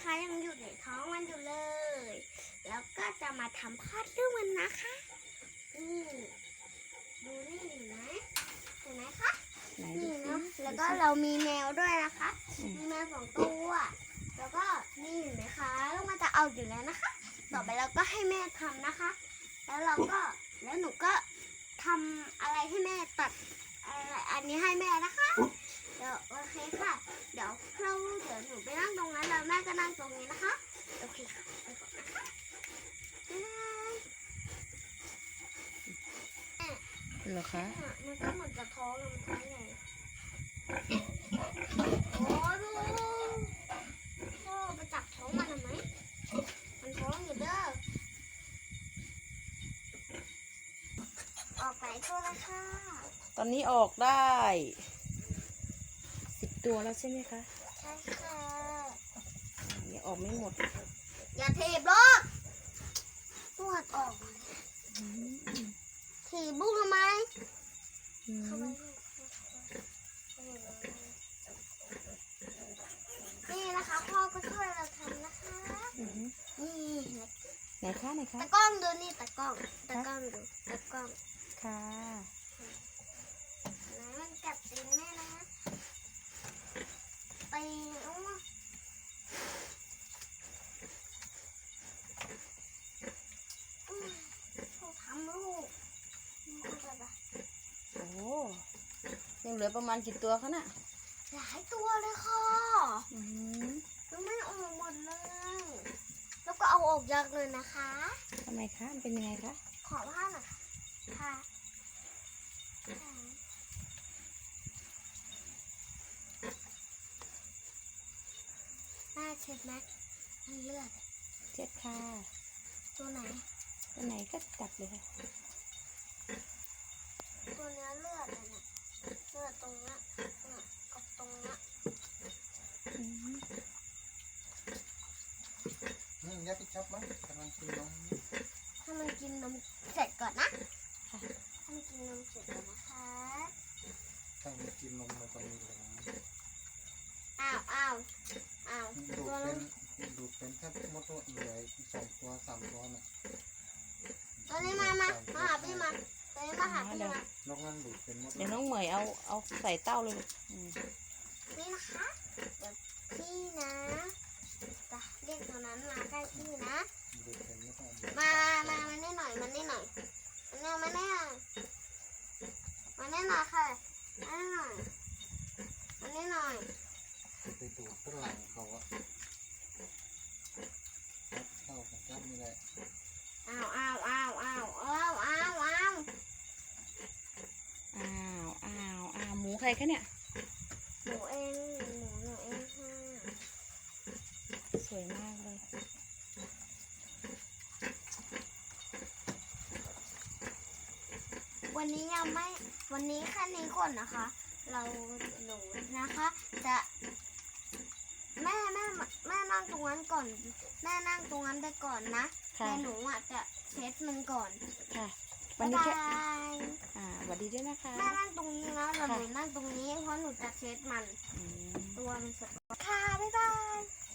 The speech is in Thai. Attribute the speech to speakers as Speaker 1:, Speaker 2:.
Speaker 1: นะคะยังอยู่ในท้องมันอยู่เลย แล้วก็จะมาทำคลอดลูกมันนะคะนี่ดูนี่เห็นไหมคะ นี่เนาะแล้วก็เรามีแมวด้วยนะคะ มีแมว2 ตัว แล้วก็นี่เห็นไหมคะลูกมันจะเอาอยู่แล้วนะคะ ต่อไปเราก็ให้แม่ทำนะคะ แล้วหนูก็ทำอะไรให้แม่ตัดอะไรอันนี้ให้แม่นะคะ เดี๋ยวโอเคค่ะ เดี๋ยวหนูไปนั่งตรงนั้นแล้วแม่ก็นั่งตรงนี้นะคะ โอเคค่ะไปก่อนนะคะบ๊ายบาย
Speaker 2: เหรอคะ
Speaker 1: มันก็เหมือนจะท้องเลยมันท้องใหญ่โอ้ดูพ่อไปจับท้องมันทำไมมันท้องอยู่เด้อออกไปตัวละค่ะ
Speaker 2: ตอนนี้ออกได้10 ตัวแล้วใช่ไหมคะ
Speaker 1: ใช่ค่ะ
Speaker 2: ยังออกไม่หมด
Speaker 1: อย่าถีบลูกปวดออกถีบลูกทำไม นี่นะคะพ่อก็ช่วยเราทำนะคะ นี่
Speaker 2: ไหนคะไหนคะ
Speaker 1: ตะกล้องดูนี่ตะกล้องดูตะกล้อง
Speaker 2: ค่ะ
Speaker 1: นะมันกัดตีนแม่นะตีนเขาทำลูก
Speaker 2: โอ้ยังเหลือประมาณกี่ตัวคะน่ะ
Speaker 1: หลายตัวเลยค่ะ
Speaker 2: อืม
Speaker 1: ยังไม่ออกหมดเลย แล้วก็เอาออกยากเลยนะคะ
Speaker 2: ทำไมคะมันเป็นยังไงคะ
Speaker 1: ขอผ้าหน่อยค่ะแม่เช็ดไหมมันเลือด
Speaker 2: เจ็ดค่ะ
Speaker 1: ตัวไหน
Speaker 2: ตัวไหนก็จับเลยค่ะ
Speaker 1: ตัวเนื้อเลือดอะเนี่ยเลือดตรงเนี้ยกับตรงเนี้ย
Speaker 3: ยัดไปจับมั้งกำลังกินนม
Speaker 1: ให้มันกินนมเสร็จก่อนนะ
Speaker 2: ค่ะ
Speaker 1: ให้มันกินนมเสร็จก่อนนะคะ
Speaker 3: ถ้ามันกินนมมันก็มีแรง
Speaker 1: อ้าว
Speaker 3: ดูดเป็นถ้ามดเหลือ2 ตัว 3 ตัวน่ะ
Speaker 1: ตัวนี้มาหาพี่มาตัวนี้มาหาพี่มาน
Speaker 3: อกนั้นดูดเป็นมด
Speaker 2: เดี๋ยวน้องเหมยเอาใส่เต้าเลยลูก
Speaker 1: นี่นะคะเดี๋ยวพี่นะจะเรียกตัวนั้นมาใกล้พี่นะ
Speaker 3: ดูดเป็นไม่ต้อง
Speaker 1: มานี่หน่อยมานี่หน่อยมานี่หน่อยค่ะมานี่หน่อยมานี่หน่อย
Speaker 3: ไปดูดฝรั่งเขาอะเข้าของจับนี่แหละ
Speaker 1: อ้าว
Speaker 2: หมูใครคะเนี่ย
Speaker 1: หนูเองค่ะ
Speaker 2: สวยมากเลย
Speaker 1: วันนี้แค่นี้ก่อนนะคะ หนูนะคะจะแม่นั่งตรงนั้นก่อนแม่นั่งตรงนั้นไปก่อนนะ
Speaker 2: ค่ะ
Speaker 1: แต่หนูอ่ะจะเช็ดมันก่อน
Speaker 2: ค่ะ วัน
Speaker 1: บ๊าย
Speaker 2: นี้
Speaker 1: บา
Speaker 2: แค่
Speaker 1: ย
Speaker 2: สวัสดีด้วยนะคะ
Speaker 1: แม่นั่งตรงนี้นะแล้วหนูนั่งตรงนี้เพราะหนูจะเช็ดมัน
Speaker 2: อืม
Speaker 1: ตัวมันสดค่ะบ๊ายบาย